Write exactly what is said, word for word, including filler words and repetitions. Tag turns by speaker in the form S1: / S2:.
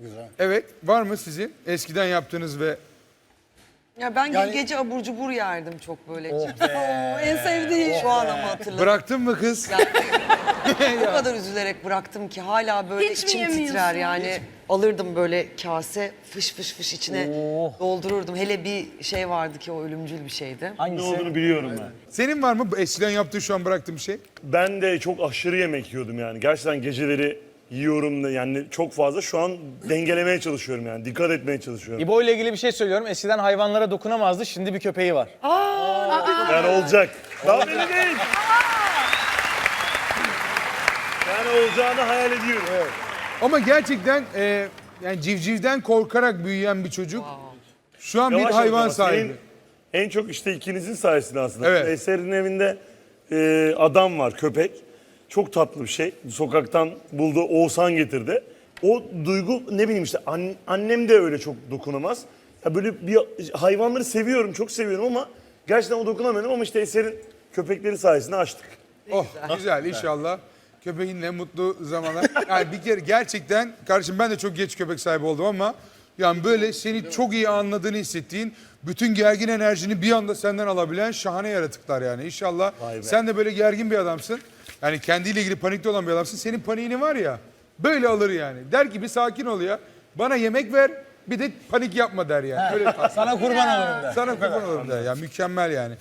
S1: Güzel.
S2: Evet, var mı sizin eskiden yaptığınız ve
S3: Ya ben
S1: Yani-
S3: gece abur cubur yerdim çok böyle.
S1: Oh
S3: Oo, en sevdiğim. Şu an ama hatırladım.
S2: bıraktın mı kız?
S3: Yani, o kadar üzülerek bıraktım ki hala böyle
S4: Hiç mi
S3: içim
S4: yemiyorsun?
S3: titrer yani. Alırdım böyle kase fış fış fış içine
S5: Oh.
S3: doldururdum. Hele bir şey vardı ki o ölümcül bir şeydi.
S6: Ne
S5: Hangisi?
S6: olduğunu biliyorum ben.
S2: Senin var mı bu eskiden yaptığın şu an bıraktığın bir şey?
S6: Ben de çok aşırı yemek yiyordum yani. Gerçekten geceleri yiyorum da yani çok fazla. Şu an dengelemeye çalışıyorum yani. Dikkat etmeye çalışıyorum.
S5: İbo ile ilgili bir şey söylüyorum. Eskiden hayvanlara dokunamazdı. Şimdi bir köpeği var.
S6: Yani olacak. Daha belli değil. Yani olacağını hayal ediyorum.
S2: Ama gerçekten e, yani civcivden korkarak büyüyen bir çocuk şu an
S6: Yavaş
S2: bir hayvan
S6: yavaş ama
S2: sahibi.
S6: senin En çok işte ikinizin sayesinde aslında.
S2: Evet.
S6: Eser'in evinde e, adam var, köpek. Çok tatlı bir şey. Sokaktan buldu, Oğuzhan getirdi. O duygu ne bileyim işte an- annem de öyle çok dokunamaz. Ya böyle bir hayvanları seviyorum, çok seviyorum ama gerçekten o dokunamıyorum ama işte Eser'in köpekleri sayesinde açtık.
S2: Oh güzel inşallah. Köpeğinle mutlu zamanlar. Yani bir kere gerçekten kardeşim ben de çok geç köpek sahibi oldum ama yani böyle seni çok iyi anladığını hissettiğin, bütün gergin enerjini bir anda senden alabilen şahane yaratıklar yani. İnşallah sen de böyle gergin bir adamsın. Yani kendiyle ilgili panikli olan bir adamsın. Senin paniğini var ya böyle alır yani. Der ki bir sakin ol ya. Bana yemek ver bir de panik yapma der yani. Öyle
S5: Sana kurban olurum der.
S2: sana kurban olurum der ya. Mükemmel yani.